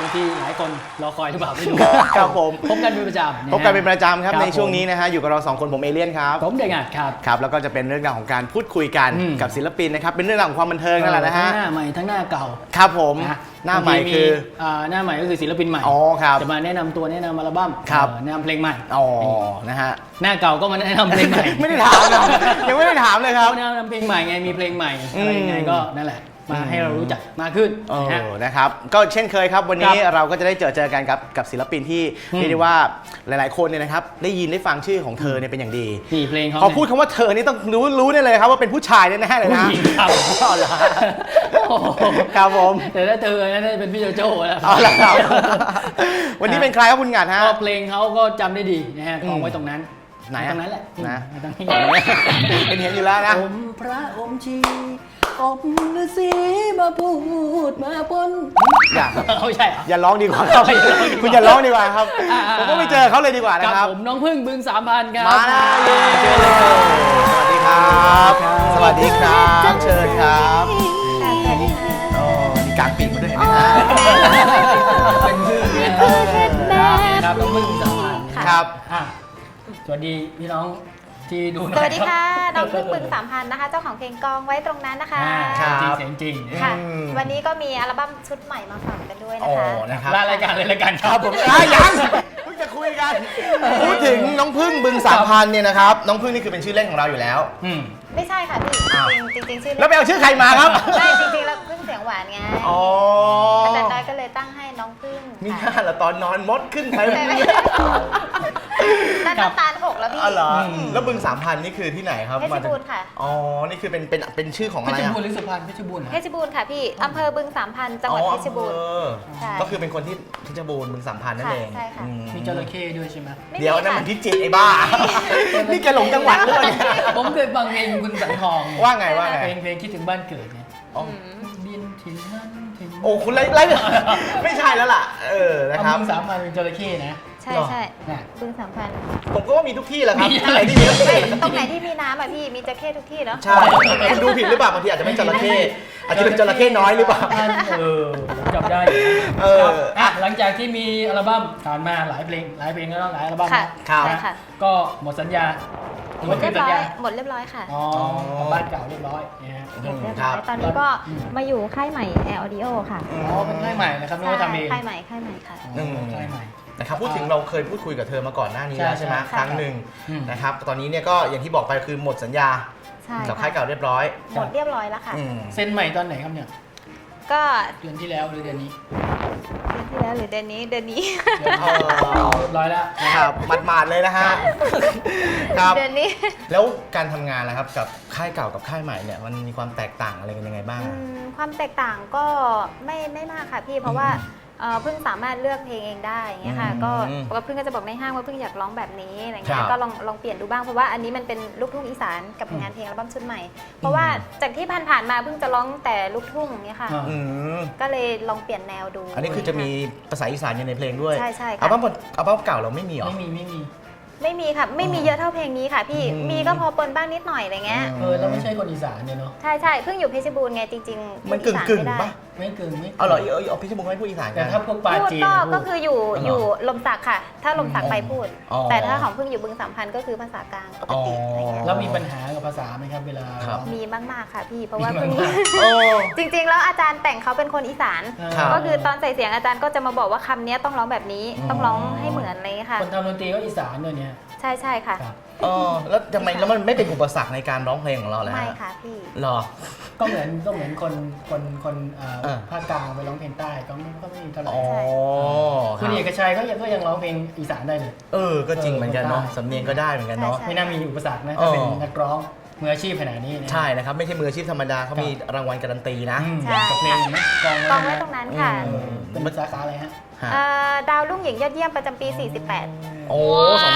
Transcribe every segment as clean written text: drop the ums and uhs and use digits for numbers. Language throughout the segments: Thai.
ที่หลายคนรอคอยหรือเปล่าไม่รู้ครับผมพบกันเป็นประจำพบกันเป็นประจำครับครับในช่วงนี้นะฮะอยู่กับเราสองคนผมเอเลี่ยนครับผมเดงัดครับครับแล้วก็จะเป็นเรื่องราวของการพูดคุยกันอืมกับศิลปินนะครับเป็นเรื่องราวของความบันเทิงนั่นแหละนะฮะทั้งหน้าใหม่ทั้งหน้าเก่าครับผมนะหน้าใหม่บงทีคือหน้าใหม่ก็คือศิลปินใหม่อ๋อครับจะมาแนะนำตัวแนะนำอัลบั้มครับแนะนำเพลงใหม่อ๋อนะฮะหน้าเก่าก็มาแนะนำเพลงใหม่ไม่ได้ถามนะยังไม่ได้ถามเลยครับเขาแนะนำเพลงใหม่ไงมีเพลงใหม่อะไรยังไงก็นั่นแหละมาให้เรารู้จักมากขึ้นนะฮะนะครับก็เช่นเคยครับวันนี้ครับเราก็จะได้เจอกันกับศิลปินที่อืมเรียกได้ว่าหลายๆคนเนี่ยนะครับได้ยินได้ฟังชื่อของเธอเนี่ยเป็นอย่างดีนี่เพลงเขาพอพูดคำว่าเธอนี่ต้องรู้ได้เลยครับว่าเป็นผู้ชายแน่ๆเลยผู้นะหญิงครับอ๋อเหรอโอ้โหครับผมแต่ถ้าเธอน่าจะเป็นพี่โจโจ้แล้วเอาละครับ วันนี้เป็นใครครับคุณหงัดฮะก็เพลงเขาก็จำได้ดีนะฮะกองไว้ตรงนั้นไหนอะตรงนั้นแหละนะตรงนี้เป็นเห็นอยู่แล้วนะอมพระอมชีอมฤาษีมาพูดมาปนอย่าเขาใช่เหรออย่าร้องดีกว่าครับ คุณอย่าร้องดีกว่าครับ ผมก็ไปเจอเขาเลยดีกว่าคนะรับครับผมน้องพึ่งบึง3,000ครับมาแล้วเจอเลยครับสวัสดีครับ สวัสดีครับเชิญครับโอ้มีกางปีกมาด้วยเห็นไหมฮะเป็นพึ่งเนี่ยครับน้องพึ่งบึง3,000 ครับอ่ะสวัสดีพี่น้องที่ดูหน่อยสวัสดีค่ะรับน้องพึ่งปึง3,000นะคะ เจ้าของเพลงกองไว้ตรงนั้นนะคะอ่าจริงเสียงจริงค่ะอืมวันนี้ก็มีอัลบั้มชุดใหม่มาฝากกันด้วยโอ้นะคะนะครับลารายการเลยรายการคครัรับบผมยังเพิ่งจะคุยกันพูดถึงน้องพึ่งบึง3,000เนี่ยนะครับน้องพึ่งนี่คือเป็นชื่อเล่นของเราอยู่แล้วอืมไม่ใช่ค่ะพี่อ้าวจริงๆชื่อแล้วไปเอาชื่อใครมาครับไม่จริงๆแล้วพึ่งเสียงหวานไงอ๋ออาจารย์ได้ก็เลยตั้งให้น้องพึ่งมีค่ะค่าละตอนนอนมดขึ้นไปใช่ไหมนั่นน้ำตาลหกแล้วพี่อ๋อเหรอแล้วบึง3,000นี่คือที่ไหนครับเพชรบูรณ์ค่ะอ๋อนี่คือเป็นชื่อของเพอะไรชรอะบูรณ์หรือสุพรรณเพชรบูรณ์เหรอเพชรบูรณ์ค่ะพี่อำเภอบึง3,000จังหวัดเพชรบูรณ์อ๋อใช่ก็คือเป็นคนที่เพชรบูรณ์บึง3,000นั่นเองใช่ค่ะอืมีจระเข้ด้วยใช่ไหมไม่เดี๋ยวนั่นค่ะมันพิจิตรไอ้บ้า นี่แกหลงจังหวัดหรือเปล่าเนี่ยผมเคยฟังเพลงคุณสังทองเนี่ยว่าไงว่าไงเพลงคิดถึงบ้านเกิดเนี่ยอ๋อบินถิ่นนั้นถิ่นโอ้คุณไล่ไม่ใช่แล้วล่ะนะครับมึง3,000เป็นจระเข้นะใช่ใช่น่ะบึง3,000 ผมก็ว่ามีทุกที่แหละครับมีที่ไหนที่มีไม่ตรงไหนที่มีน้ำอ่ะพี่มีจระเข้ทุกที่เนาะใช่คุณดูผิดหรือเปล่าบางทีอาจจะไม่จระเข้อาจจะเป็นจระเข้น้อยหรือเปล่าผมจำได้อยู่นะเออครับอ่ะหลังจากที่มีอัลบั้มผ่านมาหลายเพลงแล้วหลายอัลบั้มค่ะครับใช่นะค่ะก็หมดสัญญาหรือหมว่าดคืเรีอยบสัญร้อยญาหมดเรียบร้อยค่ะอ๋อกลับบ้านเก่าเรียบร้อยนะฮะเรียบร้อยครับตอนนี้ก็อืมมาอยู่ค่ายใหม่ Air Audio ค่ะอ๋อเป็นค่ายใหม่นะครับไม่ว่าทำเองค่ายใหม่ค่ะอ๋อค่ายใหม่นะครับพูดถึงเราเคยพูดคุยกับเธอมาก่อนหน้านี้แล้วใช่ใช่ไหมใช่ครั้งหนึ่งอืมนะครับตอนนี้เนี่ยก็อย่างที่บอกไปคือหมดสัญญาใช่กับค่ะค่ายเก่าเรียบร้อยหมดเรียบร้อยแล้วค่ะอืมเซ็นใหม่ตอนไหนครับเนี่ยก็เดือนที่แล้วหรือเดือนนี้เดือนที่แล้วหรือเดือนนี้เดือนเอนี้อเรียบร้อยแล้วนะคครัรับบหมาดๆเลยนะฮะครับเดือนนี้แล้วการทำงานนะครับกับค่ายเก่ากับค่ายใหม่เนี่ยมันมีความแตกต่างอะไรกันยังไงบ้างความแตกต่างก็ไม่มากค่ะพี่เพราะว่าเพิ่งสามารถเลือกเพลงเองได้อย่างเงี้ยค่ะอืมก็ปกติเพิ่งก็จะบอกในห้างว่าเพิ่งอยากร้องแบบนี้อะไรคเงี้รัยบก็ลองเปลี่ยนดูบ้างเพราะว่าอันนี้มันเป็นลูกทุ่งอีสานกับงานเพลงอัลบั้มชุดใหม่ เพราะว่าจากที่ผ่านๆมาเพิ่งจะร้องแต่ลูกทุ่งอย่างเงี้ยค่ะอ่าอืมก็เลยลองเปลี่ยนแนวดูอันนี้คือจะมีภาษาอีสานอยู่ในเพลงด้วยใช่ใช่อัลค่ะบั้มเก่าเราไม่มีเหรอไม่มีไม่มีค่ะไม่มีเยอะเท่าเพลงนี้ค่ะพี่อืมมีก็พอปนบ้างนิดหน่อยอะไรเงี้ยแล้วไม่ใช่คนอีสานเนี่ยเนาะใช่เพิ่งอยู่เพชรบูรณ์ไงจริงๆมันพูดอีสากึ่งไม่ได้ปะไม่เกินไม่เอาเหรอเอาพี่ชมงไม่พูดอีสานกัแต่นถ้าพวกปลาพูดจีนก็พูดคืออยู่อ๋อเหรออยู่ลมสักค่ะ ถ้าลมสักไปพูดอ๋อแต่ถ้าของเพิ่งอยู่บึง3,000ก็คือภาษากลางปกติอะไรเงี้ยแล้วมีปัญหากับภาษาไหมครับเวลาครับร้องมีมากๆค่ะพี่เพราะว่าเพิ่งมีมากโอ้จริงๆ แล้วอาจารย์แต่งเขาเป็นคนอีสานครับก็คือตอนใส่เสียงอาจารย์ก็จะมาบอกว่าคำนี้ต้องร้องแบบนี้ ต้องร้องให้เหมือนอะไรเงี้ยค่ะคนทำดนตรีก็อีสานด้วยเนี่ยใช่ค่ะครับแล้วทำไมแล้วมันไม่เป็นอุปสรรคในการร้องเพลงของเราเลยไม่ฮะค่ะพี่หรอก็เหมือนคนภาคกลางไปร้องเพลงใต้ก็ไม่มีเท่าไหร่อ๋อคุณเอกชัยก็ยังร้องเพลงอีสานได้เลยก็จริงเหมือนกันเนาะได้สำเนียงก็ได้เหมือนกันเนาะใช่ไม่น่ามีอุปสรรคนะถ้าเป็นนักร้องมืออาชีพขนาดนี้นะใช่นะครับ ไม่ใช่มืออาชีพธรรมดาเขามีรางวัลการันตีนะอืมใช่กับเพลงเห็นไหมกองกองไว้ตรงนั้นค่ะอืมเป็นสาขาอะไรฮะฮะดาวรุ่งหญิงยอดเยี่ยมประจำปี 48 โอ้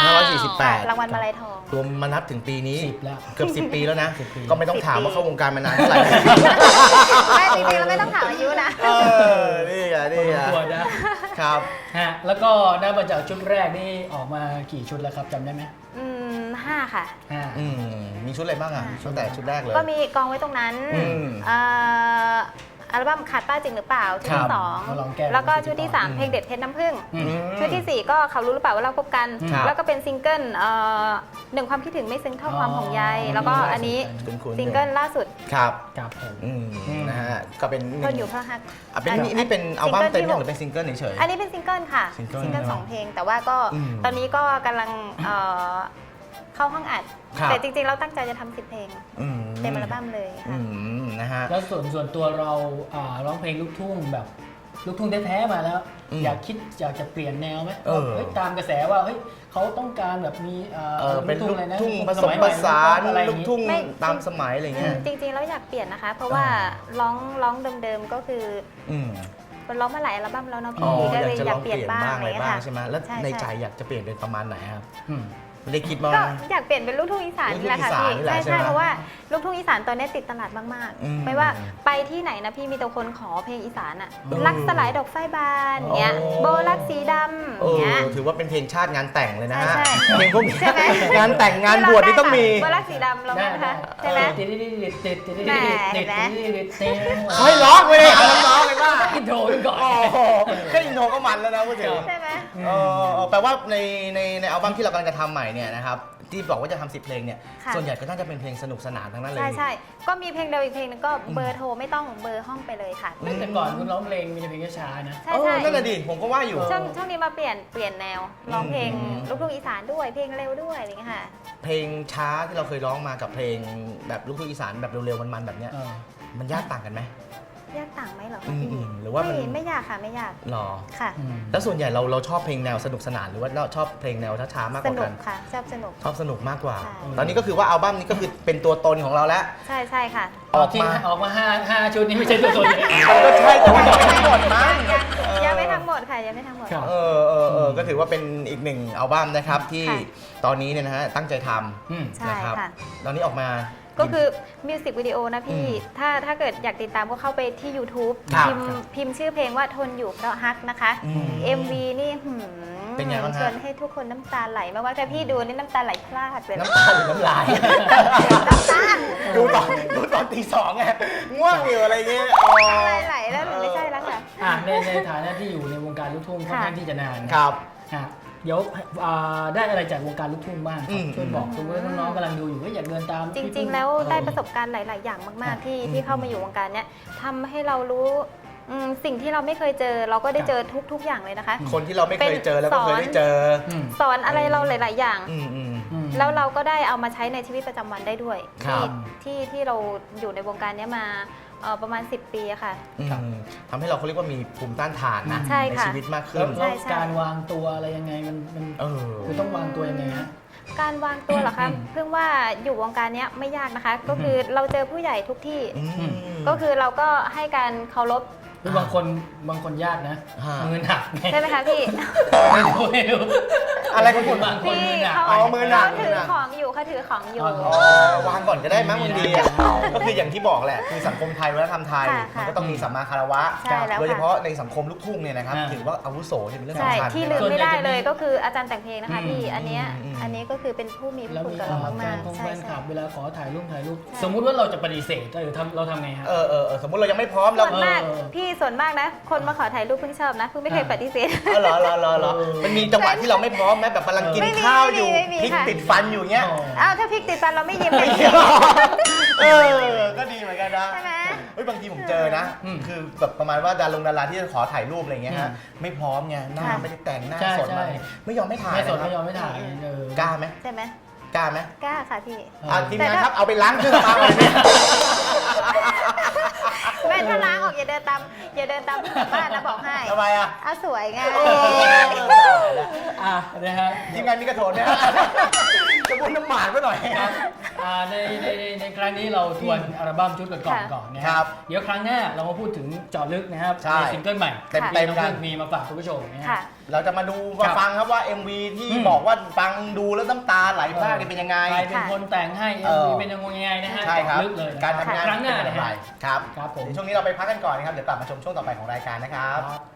2548 รางวัลมาลัยทองรวมมานับถึงปีนี้ 10 แล้วเกือบ 10 ปีแล้วนะ 10 ปีก็ไม่ต้องถามว่าเข้าวงการมานานเท่าไหร่ไม่จริงๆเราไม่ต้องถามอายุนะนี่ไงนี่ไงตัวนะครับ ฮะแล้วก็นับมาจากชุดแรกนี่ออกมากี่ชุดแล้วครับจำได้ไหม 5 ค่ะห้ามีชุดอะไรบ้างอ่ะตั้งแต่ชุดแรกเลยก็มีกองไว้ตรงนั้นอืมเอ่ออัลบั้มขาดป้าจริงหรือเปล่าชุดที่สองมาลองแก้แล้วก็ชุดที่ 3 เพลงเด็ดเพชรน้ำผึ้งอืมชุดที่ 4 ก็เขารู้หรือเปล่าว่าเราคบกันครับแล้วก็เป็นซิงเกิลหนึ่งความคิดถึงไม่ซึ้งเท่าความห่วงใยแล้วก็อันนี้คุ้นๆซิงเกิลล่าสุดครับครับผมนะฮะก็เป็นทนอยู่เพราะฮักเป็นนี่เป็นอัลบั้มเต็มซิงเกิลที่หรือเป็นซิงเกิลเฉยอันนี้เป็นซิงเกิลค่ะซิงเกิลซิงเกิล2 เพลง แต่ว่าก็อืมตอนนี้ก็กำลังเข้าห้องอัดครับแต่จริงๆเราตั้งใจจะทำ10 เพลงอืมเต็มอัลบั้มเลยอืค่ะมนะฮะแล้วส่วนตัวเราร้องเพลงลูกทุ่งแบบลูกทุ่งแท้ๆมาแล้วอืมอยากจะเปลี่ยนแนวไหมเออเฮ้ยตามกระแสว่าเฮ้ยเขาต้องการแบบมีเป็นลูกอะไรนะทุ่งผสสมมัยผใหม่สานอะไรอย่ลูงกงี้ทุ่งไม่ตามสมัยอะไรเงี้ยจริงๆแล้วอยากเปลี่ยนนะคะ เพราะว่าร้องเดิมๆก็คืออืมมันร้องมาหลายอัลบั้มแล้วเนาะอ๋อพี่ก็อยากเลยจะอลยาอก งเปเปลี่ลี่ยยนนบ้างบ้างอะไรอะไรเงี้ยบ้างค่ะใช่ไหมแล้วใช่ในใจใช่อยากจะเปลี่ยนเป็นประมาณไหนครับอืมไม่ได้คิดว่าก็อยากเปลี่ยนเป็นลูกทุ่งอีสานนี่แหละค่ะลูกทุ่งอีสานพี่นี่แหละใช่ใช่ไหมเพราะว่าลูกทุ่งอีสานตอนนี้ติดตลาดมากอืมๆไม่ว่าไปที่ไหนนะพี่มีแต่คนขอเพลงอีสานอะเออรักสลายดอกไฟบานเงี้ยโอ้โบรักสีดำเออเงี้ยถือว่าเป็นเพลงชาติงานแต่งเลยนะฮะใช่เพลงพวกนี้ใช่ไหมงานแต่งงานบวชนี่ต้องมีโบรักสีดำเราได้ไหมคะใช่ไหมเฮ้ยร้องไปเลยร้องเลยว่าอินโทรไปก่อนโอ้โหแค่อินโทรก็มันแล้วนะพูดถึงใช่ไหมแปลว่าในอัลบั้มที่เรากำลังจะทำใหม่เนี่ยนะครับที่บอกว่าจะทำ10 เพลงเนี่ยค่ะส่วนใหญ่ก็น่าจะเป็นเพลงสนุกสนานทั้งนั้นเลยใช่ใช่ก็มีเพลงเดียวอีกเพลงนึงก็เบอร์โทรไม่ต้องเบอร์ห้องไปเลยค่ะแต่ก่อนคุณร้องเพลงมีแต่เพลงช้าๆนะใช่เออใช่นั่นแหละดิผมก็ว่าอยู่ช่วงนี้มาเปลี่ยนแนวร้องเพลงอืมลูกทุ่งอีสานด้วยเพลงเร็วด้วยอะไรอย่างเงี้ยค่ะเพลงช้าที่เราเคยร้องมากับเพลงแบบลูกทุ่งอีสานแบบเร็วๆมันๆแบบเนี้ยเออมันยากต่างกันไหมยากต่างไหมเหรออืคะมพี่อืมหรือว่ามันไม่ยากค่ะไม่ยากหรอค่ะอืมแล้วส่วนใหญ่เราชอบเพลงแนวสนุกสนานหรือว่าเราชอบเพลงแนวช้าๆมากกสว่านุกักนค่ะชอบสนุกชอบสนุกมากกว่าใช่ตอนนี้ก็คือว่าอัลบั้มนี้ก็คือเป็นตัวตนของเราแล้วใช่ใช่ค่ะออกมาออกมาห้าชุดนี้ไม่ใช่ตัวตนเลยก็ใช่แต่ว่ายังไม่หมดมั้งยังไม่ทั้งหมดค่ะยังไม่ทั้งหมดครับก็ถือว่าเป็นอีกหนึ่งอัลบั้มนะครับที่ค่ะตอนนี้เนี่ยนะฮะตั้งใจทอืมำใช่นะครับค่ะตอนนี้ออกมาก็คือมิวสิกวิดีโอนะพี่อืมถ้าเกิดอยากติดตามก็เข้าไปที่ YouTube ครับพิมพ์ชื่อเพลงว่าทนอยู่เพราะฮักนะคะอืม MV นี่เป็นไงบ้างฮะชวนให้ทุกคนน้ำตาไหลมากว่าแต่พี่ดูนี่น้ำตาไหลพลาดเลยน้ำตาหรือน้ำลาย ดูตอนตีสองไงง่วงอยู่อะไรเงี้ยอ๋อไหลแล้วหนูไม่ใช่แล้วค่ะในฐานะที่อยู่ในวงการลูกทุ่งค่อนข้างที่จะนานครับฮะเดี๋ยวได้อะไรจากวงการลูกทุ่งบ้างคอืรับมช่วยบอกคุณว่าน้องๆกำลังดูอยู่ว่าอยากเดินตามจริง ๆ แล้วได้ประสบการณ์หลาย ๆ อย่างมาก ๆ ที่เข้ามาอยู่วงการเนี้ยทำให้เรารู้สิ่งที่เราไม่เคยเจอ เราก็ได้เจอทุก ๆ อย่างเลยนะคะคนที่เราไม่เคยเจอแล้วก็เคยได้เจออืมสอนอะไรเราหลาย ๆ อย่างอืมอืมแล้วเราก็ได้เอามาใช้ในชีวิตประจำวันได้ด้วยครับที่เราอยู่ในวงการเนี้ยมาประมาณ 10 ปีอะค่ะครับทำให้เราเขาเรียกว่ามีภูมิต้านทานนะใช่ค่ะชีวิตมากขึ้แล้นวใช่ใช่การวางตัวอะไรยังไงมันเออคือต้องวางตัวยังไงฮะการวางตัวเหรอคะอืมเพิ่งว่าอยู่วงการเนี้ยไม่ยากนะคะ ก็คือเราเจอผู้ใหญ่ทุกที่อืมก็คือเราก็ให้การเคารพคือบางคนยากนะฮะมือหนักไงใช่ไหมคะพี่ไม่รู้อะไรของคุณบางคนพี่มือหนักเขาอ๋อมือหนักเขาถือของอยู่เขาถือของอยู่อ๋อวางก่อนก็ได้มั้งมีบางนะทีอะก็คืออย่างที่บอกแหละคือสังคมไทยวัฒนธรรมไทยค่ะมันก็ต้องมีสัมมาคารวะใช่แล้วค่ะโดยเฉพาะในสังคมลูกทุ่งเนี่ยนะครับอ่าถือว่าอาวุโสเนี่ยเป็นเรื่องใช่สำคัญที่ลืมส่วนใหญ่ไม่ได้จะมีเลยก็คืออาจารย์แต่งเพลงนะคะพี่อืมอันเนี้ยอืมอันนี้ก็คือเป็นผู้มีพแล้ระวคุณมีกับแฟเรามากนๆคงใช่แฟนคลัใช่บเวลาขอถ่ายรูปใช่สมมุติว่าเราจะปฏิเสธเราทำไงฮะสมมุติเรายังไม่พร้อมเราส่วนมากเออพี่ส่วนมากนะ คนมาขอถ่ายรูปเพิ่งชอบนะเพิ่งไม่เคยปฏิเสธเหรอมันมีจังหวะที่เราไม่พร้อมไหมแบบกำลังกินไม่มีข้าวอยู่ไม่มีพริกค่ะติดฟันอยู่เงี้ยอ้าวถ้าพริกติดฟันเราไม่ยิ้มเลยก็ดีเหมือนกันนะใช่ไหมเฮ้ยบางทีผมเจอนะอืมคือแบบประมาณว่าดาราที่จะขอถ่ายรูปอะไรเงี้ยฮะอืมไม่พร้อมไงหน้าค่ะไม่ได้แต่งหน้าใช่สดมาใช่ไม่ยอมไม่ถ่ายไม่สดนะครับไม่ยอมไม่ถ่ายเออกล้าไหมใช่ไหมกล้าไหมกล้าค่ะพี่ทีมงานครับเอาไปล้างเครื่องสำอางเลยเนี่ยแม่ถ้าล้างออกอย่าเดินตามบ้านนะบอกให้ทำไมอ่ะเอาสวยไงอ่ะนะฮะทีมงานมีกระโถนเนี่ยจะพ่นน้ำหมากไว้หน่อยครับในครั้งนี้เราทวนอัลบั้มชุดก่อนนะคครัรับ เดี๋ยวครั้งหน้าเรามาพูดถึงเจาะลึกนะครับใช่ซิงเกิลใหม่เต็มที่ๆน้องกันพึ่งมีมาฝากคุณผู้ชมนะค่ะฮะเราจะมาดูมาฟังครับว่า MV ที่อืมบอกว่าฟังดูแล้วน้ำตาไหลพรากเนี่ยเป็นยังไงใครเป็นคนแต่งให้เออเป็นยังไงนะฮะใช่ครับลึกเลยนะการทำงานครั้งหน้าเป็นนะอย่างไรฮะครับครับผมเดี๋ยวช่วงนี้เราไปพักกันก่อนนะครับ เดี๋ยวกลับมาชมช่วงต่อไปของรายการนะครับครับ